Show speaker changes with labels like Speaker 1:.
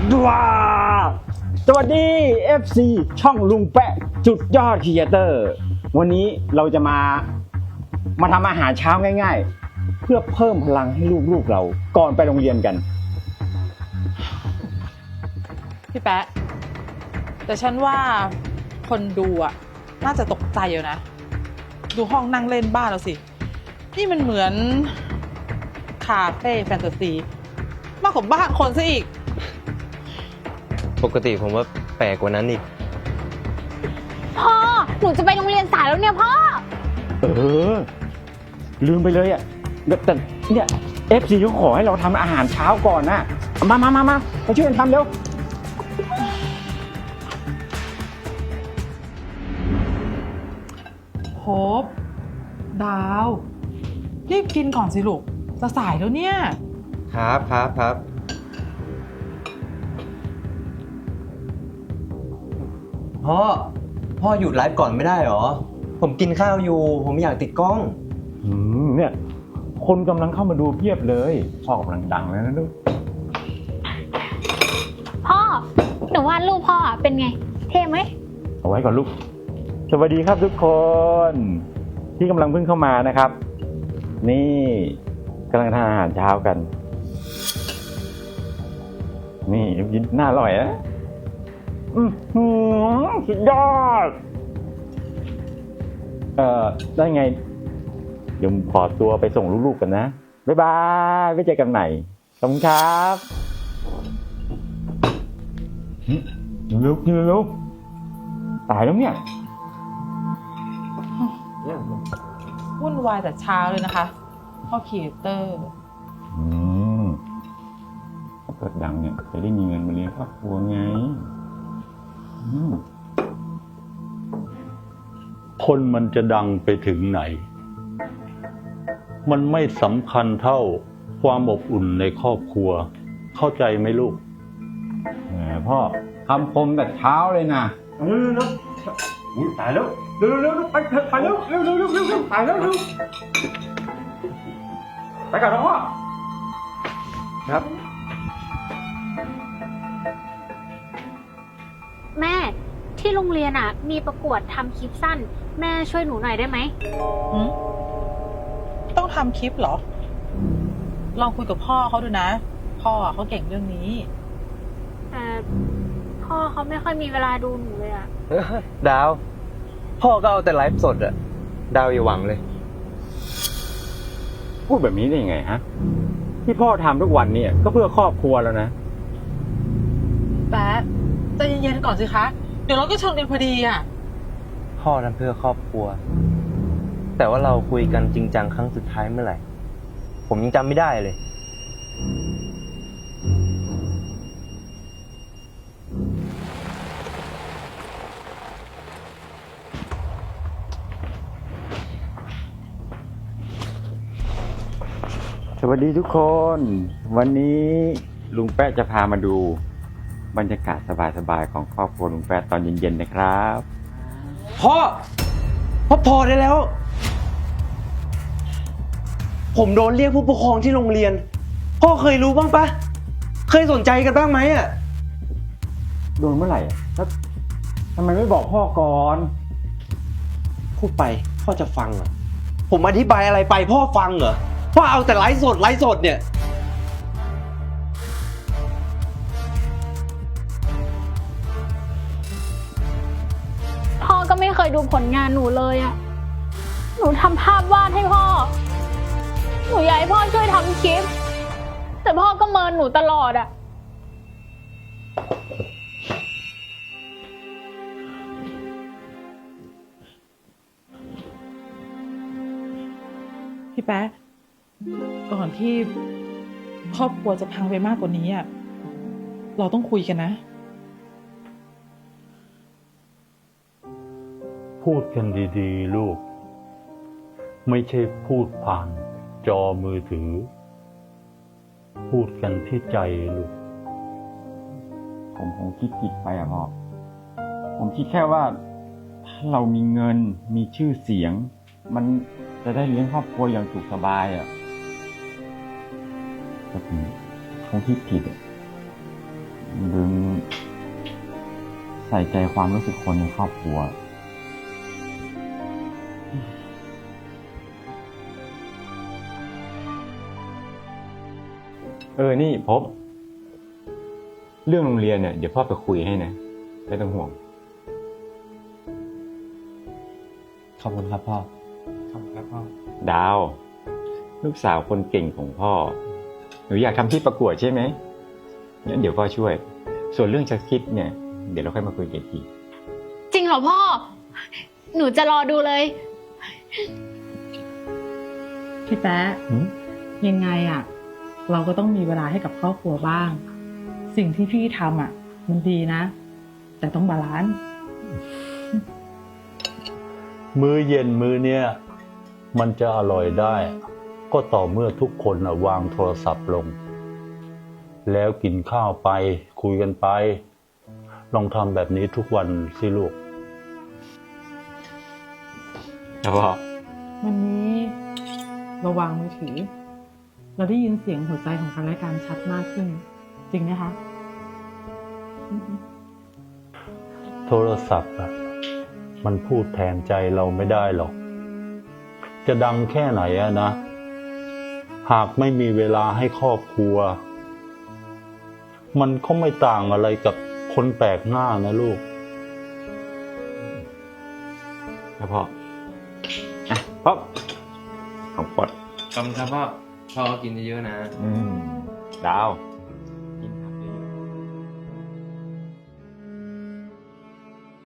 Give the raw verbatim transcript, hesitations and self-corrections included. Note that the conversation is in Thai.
Speaker 1: ว้าสวัสดี เอฟ ซี ช่องลุงแปะจุดยอดครีเอเตอร์วันนี้เราจะมามาทำอาหารเช้าง่ายๆเพื่อเพิ่มพลังให้ลูกๆเราก่อนไปโรงเรียนกัน
Speaker 2: พี่แป๊ะแต่ฉันว่าคนดูอ่ะน่าจะตกใจอยู่นะดูห้องนั่งเล่นบ้านเราสินี่มันเหมือนคาเฟ่แฟนตาซีมากกว่าบ้านคนซะอีก
Speaker 3: ปกติผมว่าแปลกกว่านั้นอีก
Speaker 4: พ่อหนูจะไปโรงเรียนสายแล้วเนี่ยพ่อ
Speaker 1: เออลืมไปเลยอ่ะแต่เนี่ย เอฟ ซี เขาขอให้เราทำอาหารเช้าก่อนนะมามามามามาช่วยกันทำเร็ว
Speaker 2: โฮปดาวรีบกินก่อนสิลูกจะสายแล้วเนี่ย
Speaker 3: ครับครับครับพ่อพ่อหยุดไลฟ์ก่อนไม่ได้หรอผมกินข้าวอยู่ผมอยากติดกล้อง
Speaker 1: อืมเนี่ยคนกำลังเข้ามาดูเพียบเลยพ่อกำลังดังแล้วนะลูก
Speaker 4: พ่อหนูวาดรูปพ่อเป็นไงเท่ไหม
Speaker 1: เอาไว้ก่อนลูกสวัสดีครับทุกคนที่กำลังเพิ่งเข้ามานะครับนี่กำลังทานอาหารเช้ากันนี่กินน่าอร่อยนะอือหือสุดยอดเอ่อได้ไงเดี๋ยวขอตัวไปส่งลูกๆกันนะบ๊ายบายไว้เจอกันใหม่ขอบคุณครับลูกนี่ลูกตายแล้วเนี่ย
Speaker 2: วุ่นวายแต่เช้าเลยนะคะพ่อครีเอเตอร์
Speaker 1: อืมถ้าเกิดดังเนี่ยจะได้มีเงินมาเลี้ยงครอบครัวไง
Speaker 5: คนมันจะดังไปถึงไหนมันไม่สำคัญเท่าความอบอุ่นในครอบครัวเข้าใจไหมลูก
Speaker 1: แหมพ่อคำคมแต่เช้าเลยนะเร็วเร็วตายแล้วเร็วเร็วไปไปเร็วเร็วเร็วเร็วเร็วตายแล้วเร็วไปก่อนนะพ่อ
Speaker 3: ครับ
Speaker 4: แม่ที่โรงเรียนอ่ะมีประกวดทำคลิปสั้นแม่ช่วยหนูหน่อยได้ไหม
Speaker 2: ต้องทำคลิปเหรอลองคุยกับพ่อเขาดูนะพ่อเขาเก่งเรื่องนี้
Speaker 4: แต่พ่อเขาไม่ค่อยมีเวลาดูหนูเลยอ่ะ
Speaker 3: ดาวพ่อก็เอาแต่ไลฟ์สดอะดาวอย่าหวังเลย
Speaker 1: พูดแบบนี้ได้ยังไงฮะที่พ่อทำทุกวันเนี่ยก็เพื่อครอบครัวแล้วนะ
Speaker 2: แป๊ะใจเย็นๆก่อนสิคะเดี๋ยวเราก็ชนกันพอดีอ่ะ
Speaker 3: พ่อทำเพื่อครอบครัวแต่ว่าเราคุยกันจริงจังครั้งสุดท้ายเมื่อไหร่ผมยังจำไม่ได้เลย
Speaker 1: สวัสดีทุกคนวันนี้ลุงแป๊ะจะพามาดูบรรยากาศสบายๆของครอบครัวลุงแป๊ะตอนเย็นๆนะครับ
Speaker 3: พ่อพ่อพอได้แล้วผมโดนเรียกผู้ปกครองที่โรงเรียนพ่อเคยรู้บ้างปะเคยสนใจกันบ้างไหมอ่ะ
Speaker 1: โดนเมื่อไหร่แล้วทำไมไม่บอกพ่อก่อน
Speaker 3: พูดไปพ่อจะฟังเหรอผมอธิบายอะไรไปพ่อฟังเหรอพ่อเอาแต่ไลฟ์สดไลฟ์สดเนี่ย
Speaker 4: พ่อก็ไม่เคยดูผลงานหนูเลยอะหนูทำภาพวาดให้พ่อหนูอยากให้พ่อช่วยทำคลิปแต่พ่อก็เมินหนูตลอดอะ
Speaker 2: พี่แป๊ะก่อนที่ครอบครัวจะพังไปมากกว่านี้อ่ะเราต้องคุยกันนะ
Speaker 5: พูดกันดีๆลูกไม่ใช่พูดผ่านจอมือถือพูดกันที่ใจลูก
Speaker 1: ผมคงคิดผิดไปอ่ะพ่อผมคิดแค่ว่าถ้าเรามีเงินมีชื่อเสียงมันจะได้เลี้ยงครอบครัวอย่างสุขสบายอ่ะแต่ผมคงคิดผิด เส่ใจความรู้สึกคนในครอบครัว เออ นี่พบ เรื่องโรงเรียนเนี่ยเดี๋ยวพ่อไปคุยให้นะ ไม่ต้องห่วง
Speaker 3: ขอบคุณครับพ่อ ขอบคุณครับพ่อ
Speaker 1: ดาว ลูกสาวคนเก่งของพ่อ หนูอยากทำที่ประกวดใช่ไหมงั้นเดี๋ยวพ่อช่วย ส่วนเรื่องจะคิดเนี่ย เดี๋ยวเราค่อยมาคุยกันอีกที
Speaker 4: จริงเหรอพ่อ หนูจะรอดูเลย
Speaker 2: พี่แป๊ะ
Speaker 1: หืม
Speaker 2: ยังไงอ่ะ เราก็ต้องมีเวลาให้กับครอบครัวบ้าง สิ่งที่พี่ทำอ่ะ มันดีนะ แต่ต้องบาลานซ์
Speaker 5: มื้อเย็นมื้อเนี้ยมันจะอร่อยได้ ก็ต่อเมื่อทุกคนน่ะวางโทรศัพท์ลง แล้วกินข้าวไป คุยกันไป ลองทำแบบนี้ทุกวันสิลูก
Speaker 1: ครับพ่อ
Speaker 2: วันนี้เราวางมือถือ เราได้ยินเสียงหัวใจของกันและกันชัดมากขึ้น จริงไหมคะ
Speaker 5: โทรศัพท์อะมันพูดแทนใจเราไม่ได้หรอก จะดังแค่ไหนอะนะ หากไม่มีเวลาให้ครอบครัว มันก็ไม่ต่างอะไรกับคนแปลกหน้านะลูก
Speaker 1: ครับพ่อ อ่ะพ่อของปลด
Speaker 3: ขอบคุณครับพ่อ พ่อกินเยอะๆนะ
Speaker 1: อืม ดาว